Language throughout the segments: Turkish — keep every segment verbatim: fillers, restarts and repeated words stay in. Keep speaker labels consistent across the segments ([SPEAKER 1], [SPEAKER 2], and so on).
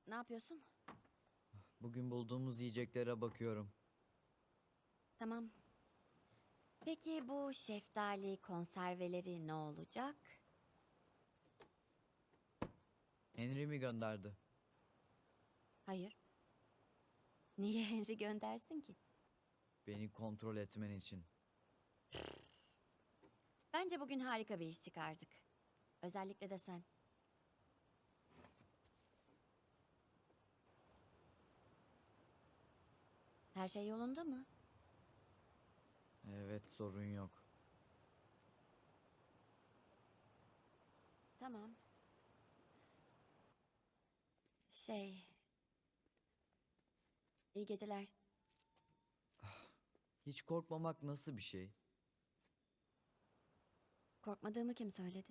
[SPEAKER 1] Ne yapıyorsun?
[SPEAKER 2] Bugün bulduğumuz yiyeceklere bakıyorum.
[SPEAKER 1] Tamam. Peki bu şeftali konserveleri ne olacak?
[SPEAKER 2] Henry mi gönderdi?
[SPEAKER 1] Hayır. Niye Henry göndersin ki?
[SPEAKER 2] Beni kontrol etmen için.
[SPEAKER 1] Bence bugün harika bir iş çıkardık. Özellikle de sen. Her şey yolunda mı?
[SPEAKER 2] Evet, sorun yok.
[SPEAKER 1] Tamam. Şey... İyi geceler.
[SPEAKER 2] Hiç korkmamak nasıl bir şey?
[SPEAKER 1] Korkmadığımı kim söyledi?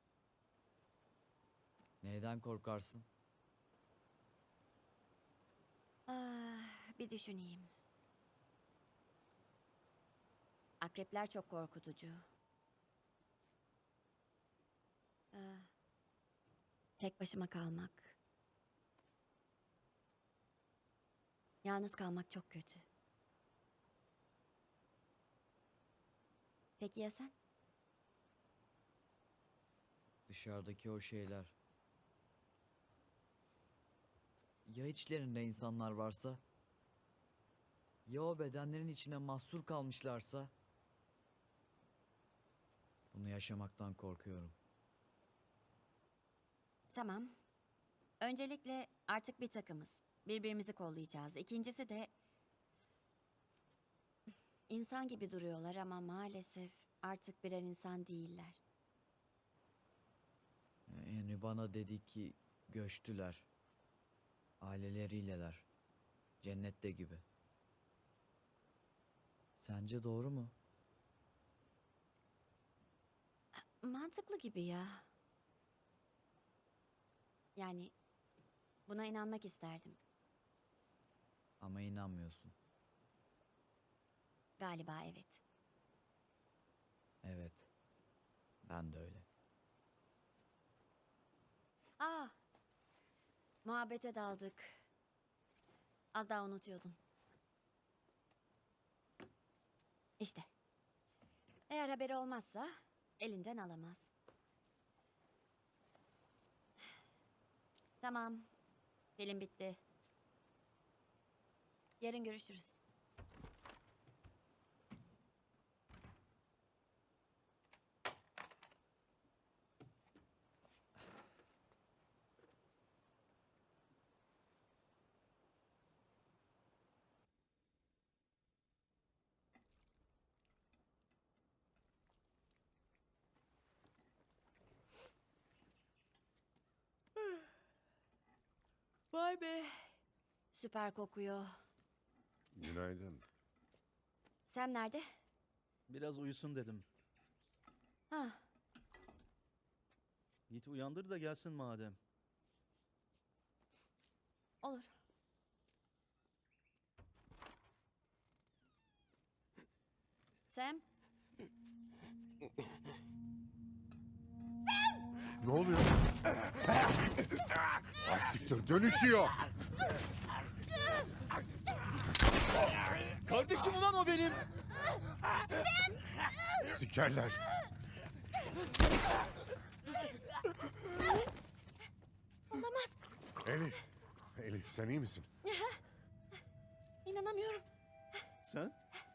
[SPEAKER 2] Neyden korkarsın?
[SPEAKER 1] Ah, bir düşüneyim. Akrepler çok korkutucu. Ah, tek başıma kalmak. Yalnız kalmak çok kötü. Peki ya sen?
[SPEAKER 2] Dışarıdaki o şeyler. Ya içlerinde insanlar varsa? Ya o bedenlerin içine mahsur kalmışlarsa? Bunu yaşamaktan korkuyorum.
[SPEAKER 1] Tamam. Öncelikle artık bir takımız. Birbirimizi kollayacağız. İkincisi de... insan gibi duruyorlar ama maalesef artık birer insan değiller.
[SPEAKER 2] Henry bana dedi ki göçtüler. Aileleriyleler. Cennette gibi. Sence doğru mu?
[SPEAKER 1] Mantıklı gibi ya. Yani buna inanmak isterdim.
[SPEAKER 2] Ama inanmıyorsun.
[SPEAKER 1] Galiba evet.
[SPEAKER 2] Evet. Ben de öyle.
[SPEAKER 1] Aa, muhabbete daldık. Az daha unutuyordum. İşte. Eğer haberi olmazsa elinden alamaz. Tamam. Film bitti. Yarın görüşürüz. Vay be. Süper kokuyor.
[SPEAKER 3] Günaydın.
[SPEAKER 1] Sam nerede?
[SPEAKER 4] Biraz uyusun dedim.
[SPEAKER 1] Ha,
[SPEAKER 4] Git uyandır da gelsin madem.
[SPEAKER 1] olur. Sam,
[SPEAKER 3] Ne oluyor? Asiktir dönüşüyor.
[SPEAKER 4] Kardeşim ulan o benim.
[SPEAKER 3] Sikerler.
[SPEAKER 1] olamaz.
[SPEAKER 3] Elif. Elif sen iyi misin?
[SPEAKER 1] İnanamıyorum.
[SPEAKER 4] Sen?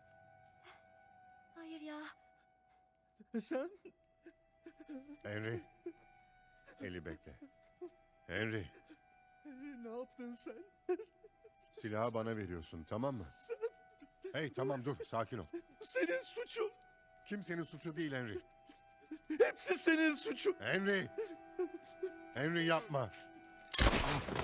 [SPEAKER 1] Hayır ya.
[SPEAKER 4] Sen?
[SPEAKER 3] Henry. Eli bekle. Henry.
[SPEAKER 4] Ne yaptın sen?
[SPEAKER 3] Silahı bana veriyorsun tamam mı? Hey tamam dur sakin ol.
[SPEAKER 4] Senin suçun.
[SPEAKER 3] Kimsenin suçu değil Henry.
[SPEAKER 4] Hepsi senin suçun.
[SPEAKER 3] Henry. Henry yapma.